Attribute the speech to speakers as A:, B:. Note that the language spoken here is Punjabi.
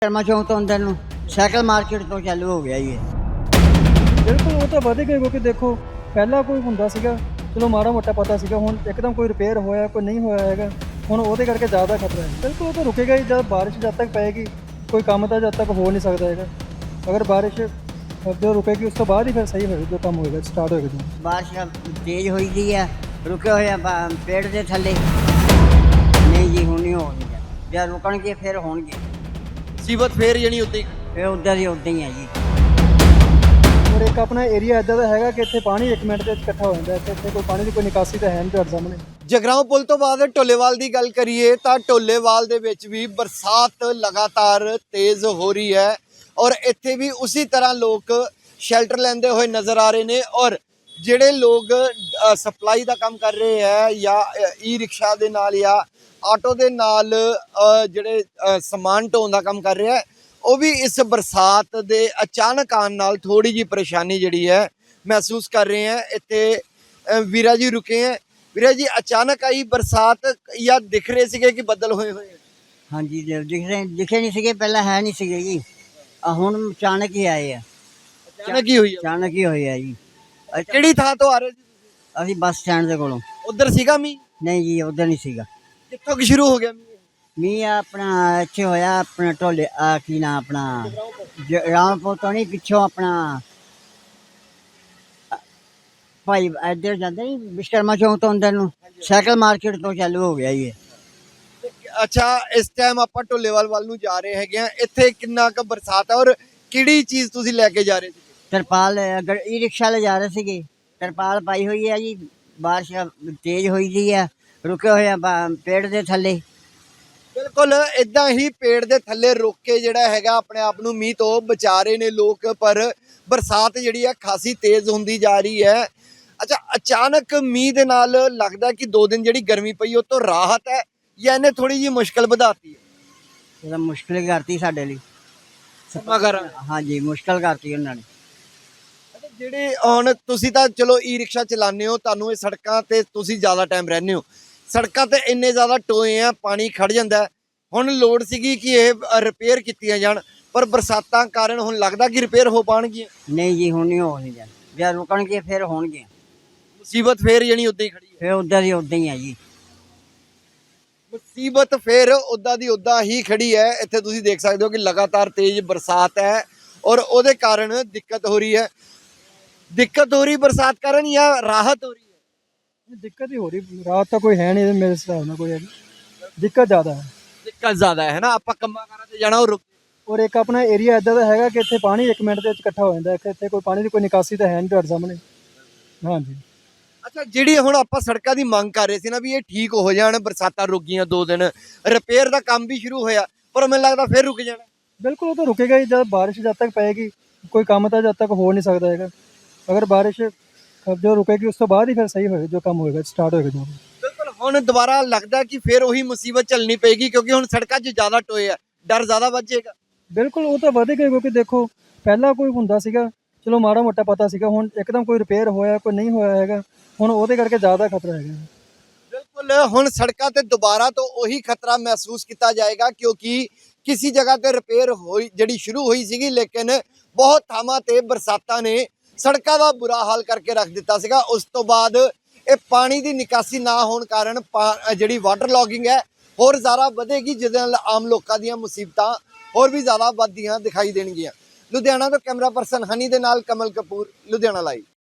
A: ਕਰਮਾ ਚੌਂਕ ਤੋਂ ਅੰਦਰ ਨੂੰ ਸਾਈਕਲ ਮਾਰਕੀਟ ਤੋਂ ਚਾਲੂ ਹੋ ਗਿਆ ਜੀ
B: ਬਿਲਕੁਲ ਉਹ ਤਾਂ ਵਧ ਗਏ ਕਿਉਂਕਿ ਦੇਖੋ ਪਹਿਲਾਂ ਕੋਈ ਹੁੰਦਾ ਸੀਗਾ ਚਲੋ ਮਾੜਾ ਮੋਟਾ ਪਤਾ ਸੀਗਾ ਹੁਣ ਇੱਕਦਮ ਕੋਈ ਰਿਪੇਅਰ ਹੋਇਆ ਕੋਈ ਨਹੀਂ ਹੋਇਆ ਹੈਗਾ ਹੁਣ ਉਹਦੇ ਕਰਕੇ ਜ਼ਿਆਦਾ ਖਤਰਾ ਹੈ। ਬਿਲਕੁਲ ਉਹ ਤਾਂ ਰੁਕੇਗਾ ਹੀ ਜਦ ਬਾਰਿਸ਼ ਜਦ ਤੱਕ ਪਏਗੀ ਕੋਈ ਕੰਮ ਤਾਂ ਜਦ ਤੱਕ ਹੋ ਨਹੀਂ ਸਕਦਾ ਹੈਗਾ। ਅਗਰ ਬਾਰਿਸ਼ ਜੋ ਰੁਕੇਗੀ ਉਸ ਤੋਂ ਬਾਅਦ ਹੀ ਫਿਰ ਸਹੀ ਹੋਏਗਾ ਜੋ ਕੰਮ ਹੋਏਗਾ ਸਟਾਰਟ ਹੋਏਗਾ ਜੋ
A: ਬਾਰਿਸ਼ ਤੇਜ਼ ਹੋਈ ਦੀ ਆ ਰੁਕੇ ਹੋਏ ਆ ਪੇੜ ਦੇ ਥੱਲੇ ਨਹੀਂ ਜੀ ਹੁਣ ਨਹੀਂ ਹੋਣਗੇ ਜੇ ਰੁਕਣਗੇ ਫਿਰ ਹੋਣਗੇ
C: ਮੁਸੀਬਤ ਫੇਰ ਜਾਣੀ ਉੱਤੇ
A: ਫਿਰ ਉੱਦਾਂ ਹੀ ਆ ਜੀ।
B: ਔਰ ਇੱਕ ਆਪਣਾ ਏਰੀਆ ਇੱਦਾਂ ਦਾ ਹੈਗਾ ਕਿ ਇੱਥੇ ਪਾਣੀ 1 ਮਿੰਟ ਦੇ ਵਿੱਚ ਇਕੱਠਾ ਹੋ ਜਾਂਦਾ ਇੱਥੇ ਕੋਈ ਪਾਣੀ ਦੀ ਕੋਈ ਨਿਕਾਸੀ ਤਾਂ ਹੈ ਨਹੀਂ ਤੁਹਾਡੇ ਸਾਹਮਣੇ।
C: ਜਗਰਾਉਂ ਪੁਲ ਤੋਂ ਬਾਅਦ ਢੋਲੇਵਾਲ ਦੀ ਗੱਲ ਕਰੀਏ ਤਾਂ ਢੋਲੇਵਾਲ ਦੇ ਵਿੱਚ ਵੀ ਬਰਸਾਤ ਲਗਾਤਾਰ ਤੇਜ਼ ਹੋ ਰਹੀ ਹੈ ਔਰ ਇੱਥੇ ਵੀ ਉਸੇ ਤਰ੍ਹਾਂ ਲੋਕ ਸ਼ੈਲਟਰ ਲੈਂਦੇ ਹੋਏ ਨਜ਼ਰ ਆ ਰਹੇ ਨੇ ਔਰ ਜਿਹੜੇ ਲੋਕ ਸਪਲਾਈ ਦਾ ਕੰਮ ਕਰ ਰਹੇ ਹੈ ਜਾਂ ਈ ਰਿਕਸ਼ਾ ਦੇ ਨਾਲ ਜਾਂ ਆਟੋ ਦੇ ਨਾਲ ਜਿਹੜੇ ਸਮਾਨ ਢੋਣ ਦਾ ਕੰਮ ਕਰ ਰਿਹਾ ਹੈ ਉਹ ਵੀ ਇਸ ਬਰਸਾਤ ਦੇ ਅਚਾਨਕ ਆਉਣ ਨਾਲ ਥੋੜੀ ਜੀ ਪਰੇਸ਼ਾਨੀ ਜਿਹੜੀ ਹੈ ਮਹਿਸੂਸ ਕਰ ਰਹੇ ਹੈ। ਇੱਥੇ ਵੀਰਾ ਜੀ ਰੁਕੇ ਹੈ। ਵੀਰਾ ਜੀ ਅਚਾਨਕ ਆਈ ਬਰਸਾਤ ਜਾਂ ਦਿਖ ਰਹੇ ਸੀਗੇ ਕਿ ਬੱਦਲ ਹੋਏ ਹੋਏ?
A: ਹਾਂਜੀ ਦਿਖੇ ਨਹੀਂ ਸੀਗੇ ਪਹਿਲਾਂ ਹੈ ਨਹੀਂ ਸੀਗੇ ਜੀ ਹੁਣ ਅਚਾਨਕ ਹੀ ਆਏ ਆ
C: ਅਚਾਨਕ ਹੀ ਹੋਈ
A: ਅਚਾਨਕ ਹੀ ਹੋਏ ਆ ਜੀ।
C: ਕਿਹੜੀ ਥਾਂ ਤੋਂ ਆ ਰਹੇ ਸੀ?
A: ਅਸੀਂ ਬੱਸ ਸਟੈਂਡ ਦੇ ਕੋਲੋਂ।
C: ਉਧਰ ਸੀਗਾ ਮੀਂਹ?
A: ਨਹੀਂ ਜੀ ਉੱਧਰ ਨਹੀਂ ਸੀਗਾ।
C: ਕਿੱਥੋਂ ਕਿ ਸ਼ੁਰੂ ਹੋ ਗਿਆ ਮੀਂਹ?
A: ਮੀਂਹ ਆਪਣਾ ਇੱਥੇ ਹੋਇਆ ਆਪਣਾ ਢੋਲੇ ਕੀ ਨਾ ਆਪਣਾ ਰਾਮਪੁਰ ਤੋਂ ਨਹੀਂ ਪਿੱਛੋਂ ਆਪਣਾ ਭਾਈ ਇੱਧਰ ਜਾਂਦੇ ਨਹੀਂ ਵਿਸ਼ਕਰਮਾ ਚੌਂਕ ਤੋਂ ਅੰਦਰ ਨੂੰ ਸਾਈਕਲ ਮਾਰਕੀਟ ਤੋਂ ਚਾਲੂ ਹੋ ਗਿਆ ਜੀ।
C: ਅੱਛਾ ਇਸ ਟਾਈਮ ਆਪਾਂ ਢੋਲੇਵਾਲ ਵੱਲ ਨੂੰ ਜਾ ਰਹੇ ਹੈਗੇ ਆ ਇੱਥੇ ਕਿੰਨਾ ਕੁ ਬਰਸਾਤ ਹੈ ਔਰ ਕਿਹੜੀ ਚੀਜ਼ ਤੁਸੀਂ ਲੈ ਕੇ ਜਾ ਰਹੇ ਸੀ?
A: ਤਰਪਾਲ ਅਗਰ ਈ ਰਿਕਸ਼ਾ ਲੈ ਜਾ ਰਹੇ ਸੀਗੇ ਤਰਪਾਲ ਪਾਈ ਹੋਈ ਹੈ ਜੀ। ਬਾਰਿਸ਼ ਤੇਜ਼ ਹੋਈ ਦੀ ਆ ਰੁਕੇ ਹੋਏ ਆ ਪੇੜ ਦੇ ਥੱਲੇ।
C: ਬਿਲਕੁਲ ਇਦਾਂ ਹੀ ਪੇੜ ਦੇ ਥੱਲੇ ਰੁਕ ਕੇ ਜਿਹੜਾ ਹੈਗਾ ਆਪਣੇ ਆਪ ਨੂੰ ਮੀਂਹ ਤੋਂ ਬਚਾ ਰਹੇ ਨੇ ਲੋਕ ਪਰ ਬਰਸਾਤ ਜਿਹੜੀ ਹੈ ਖਾਸੀ ਤੇਜ਼ ਹੁੰਦੀ ਜਾ ਰਹੀ ਹੈ। ਅੱਛਾ ਅਚਾਨਕ ਮੀਂਹ ਦੇ ਨਾਲ ਲੱਗਦਾ ਕਿ 2 ਦਿਨ ਜਿਹੜੀ ਗਰਮੀ ਪਈ ਉਹ ਤੋਂ ਰਾਹਤ ਹੈ ਜਾਂ ਇਹਨੇ ਥੋੜੀ ਜਿਹੀ ਮੁਸ਼ਕਲ ਵਧਾਤੀ ਹੈ?
A: ਇਹਦਾ ਮੁਸ਼ਕਿਲ ਕਰਤੀ ਸਾਡੇ ਲਈ ਹਾਂਜੀ ਮੁਸ਼ਕਿਲ ਕਰਤੀ ਉਹਨਾਂ ਨੇ।
C: ਜਿਹੜੇ ਹੁਣ ਤੁਸੀਂ ਤਾਂ ਚਲੋ ਈ ਰਿਕਸ਼ਾ ਚਲਾਉਂਦੇ ਹੋ ਤੁਹਾਨੂੰ ਇਹ ਸੜਕਾਂ ਤੇ ਤੁਸੀਂ ਜ਼ਿਆਦਾ ਟਾਈਮ ਰਹਿੰਦੇ ਹੋ ਸੜਕਾਂ ਤੇ ਇੰਨੇ ਜ਼ਿਆਦਾ ਟੋਏ ਆ ਪਾਣੀ ਖੜ ਜਾਂਦਾ ਹੁਣ ਲੋੜ ਸੀਗੀ ਕਿ ਇਹ ਰਿਪੇਅਰ ਕੀਤੀਆਂ ਜਾਣ ਪਰ ਬਰਸਾਤਾਂ ਕਾਰਨ ਹੁਣ ਲੱਗਦਾ ਕਿ ਰਿਪੇਅਰ ਹੋ ਪਾਣਗੀਆਂ?
A: ਨਹੀਂ ਜੀ ਹੁਣ ਨਹੀਂ ਹੋਣੀ ਜੇ ਰੁਕਣਗੇ ਫਿਰ ਹੋਣਗੇ।
C: ਮੁਸੀਬਤ ਫੇਰ ਜਾਣੀ ਉੱਦਾਂ ਹੀ ਖੜੀ ਹੈ?
A: ਫਿਰ ਉੱਦਾਂ ਹੀ ਆ ਜੀ।
C: ਮੁਸੀਬਤ ਫੇਰ ਉੱਦਾਂ ਦੀ ਉੱਦਾਂ ਹੀ ਖੜੀ ਹੈ। ਇੱਥੇ ਤੁਸੀਂ ਦੇਖ ਸਕਦੇ ਹੋ ਕਿ ਲਗਾਤਾਰ ਤੇਜ਼ ਬਰਸਾਤ ਹੈ ਔਰ ਉਹਦੇ ਕਾਰਨ ਦਿੱਕਤ ਹੋ ਰਹੀ ਹੈ ਬਰਸਾਤ ਕਾਰਨ ਜਾਂ ਰਾਹਤ ਹੋ ਰਹੀ ਹੈ?
B: ਦਿੱਕਤ ਹੀ ਹੋ ਰਹੀ ਰਾਤ ਤਾਂ ਕੋਈ ਹੈ ਨਹੀਂ ਮੇਰੇ ਹਿਸਾਬ ਨਾਲ ਕੋਈ ਹੈਗੀ ਦਿੱਕਤ ਜ਼ਿਆਦਾ ਹੈ।
C: ਦਿੱਕਤ ਜ਼ਿਆਦਾ ਹੈ ਨਾ ਆਪਾਂ ਕੰਮਾਂ ਕਾਰਾਂ ਤੇ ਜਾਣਾ ਉਹ ਰੁਕ
B: ਔਰ ਇੱਕ ਆਪਣਾ ਏਰੀਆ ਇੱਦਾਂ ਦਾ ਹੈਗਾ ਕਿ ਇੱਥੇ ਪਾਣੀ 1 ਮਿੰਟ ਦੇ ਵਿੱਚ ਇਕੱਠਾ ਹੋ ਜਾਂਦਾ ਇੱਥੇ ਕੋਈ ਪਾਣੀ ਦੀ ਕੋਈ ਨਿਕਾਸੀ ਤਾਂ ਹੈ ਨਹੀਂ ਤੁਹਾਡੇ ਸਾਹਮਣੇ। ਹਾਂਜੀ
C: ਅੱਛਾ ਜਿਹੜੀ ਹੁਣ ਆਪਾਂ ਸੜਕਾਂ ਦੀ ਮੰਗ ਕਰ ਰਹੇ ਸੀ ਨਾ ਵੀ ਇਹ ਠੀਕ ਹੋ ਜਾਣ ਬਰਸਾਤਾਂ ਰੁਕ ਗਈਆਂ 2 ਦਿਨ ਰਿਪੇਅਰ ਦਾ ਕੰਮ ਵੀ ਸ਼ੁਰੂ ਹੋਇਆ ਪਰ ਮੈਨੂੰ ਲੱਗਦਾ ਫਿਰ ਰੁਕ ਜਾਣਾ।
B: ਬਿਲਕੁਲ ਉਹ ਤਾਂ ਰੁਕੇਗਾ ਹੀ ਜਦ ਬਾਰਿਸ਼ ਜਦ ਤੱਕ ਪਏਗੀ ਕੋਈ ਕੰਮ ਤਾਂ ਜਦ ਤੱਕ ਹੋ ਨਹੀਂ ਸਕਦਾ ਹੈਗਾ। ਅਗਰ ਬਾਰਿਸ਼ ਜੋ ਰੁਕੇਗੀ ਉਸ ਤੋਂ ਬਾਅਦ ਹੀ ਫਿਰ ਸਹੀ ਹੋਏਗਾ ਜੋ ਕੰਮ ਹੋਏਗਾ ਸਟਾਰਟ ਹੋਏਗਾ ਜੋ।
C: ਬਿਲਕੁਲ ਹੁਣ ਦੁਬਾਰਾ ਲੱਗਦਾ ਕਿ ਫਿਰ ਉਹੀ ਮੁਸੀਬਤ ਝੱਲਣੀ ਪਏਗੀ ਕਿਉਂਕਿ ਹੁਣ ਸੜਕਾਂ 'ਚ ਜ਼ਿਆਦਾ ਟੋਏ ਆ ਡਰ ਜ਼ਿਆਦਾ ਵੱਧ ਜਾਏਗਾ।
B: ਬਿਲਕੁਲ ਉਹ ਤਾਂ ਵਧ ਗਏ ਕਿਉਂਕਿ ਦੇਖੋ ਪਹਿਲਾਂ ਕੋਈ ਹੁੰਦਾ ਸੀਗਾ ਚਲੋ ਮਾੜਾ ਮੋਟਾ ਪਤਾ ਸੀਗਾ ਹੁਣ ਇੱਕਦਮ ਕੋਈ ਰਿਪੇਅਰ ਹੋਇਆ ਕੋਈ ਨਹੀਂ ਹੋਇਆ ਹੈਗਾ ਹੁਣ ਉਹਦੇ ਕਰਕੇ ਜ਼ਿਆਦਾ ਖਤਰਾ ਹੈਗਾ।
C: ਬਿਲਕੁਲ ਹੁਣ ਸੜਕਾਂ ਤੇ ਦੁਬਾਰਾ ਤੋਂ ਉਹੀ ਖਤਰਾ ਮਹਿਸੂਸ ਕੀਤਾ ਜਾਏਗਾ ਕਿਉਂਕਿ ਕਿਸੇ ਜਗ੍ਹਾ ਤੇ ਰਿਪੇਅਰ ਹੋਈ ਜਿਹੜੀ ਸ਼ੁਰੂ ਹੋਈ ਸੀਗੀ ਲੇਕਿਨ ਬਹੁਤ ਥਾਵਾਂ ਤੇ ਬਰਸਾਤਾਂ ਨੇ ਸੜਕਾਂ ਦਾ ਬੁਰਾ ਹਾਲ ਕਰਕੇ ਰੱਖ ਦਿੱਤਾ ਸੀਗਾ। ਉਸ ਤੋਂ ਬਾਅਦ ਇਹ ਪਾਣੀ ਦੀ ਨਿਕਾਸੀ ਨਾ ਹੋਣ ਕਾਰਨ ਜਿਹੜੀ ਵਾਟਰ ਲੌਗਿੰਗ ਹੈ ਹੋਰ ਜ਼ਿਆਦਾ ਵਧੇਗੀ ਜਿਹਦੇ ਨਾਲ ਆਮ ਲੋਕਾਂ ਦੀਆਂ ਮੁਸੀਬਤਾਂ ਹੋਰ ਵੀ ਜ਼ਿਆਦਾ ਵੱਧਦੀਆਂ ਦਿਖਾਈ ਦੇਣਗੀਆਂ। ਲੁਧਿਆਣਾ ਤੋਂ ਕੈਮਰਾ ਪਰਸਨ ਹਨੀ ਦੇ ਨਾਲ ਕਮਲ ਕਪੂਰ, ਲੁਧਿਆਣਾ ਲਾਈਵ।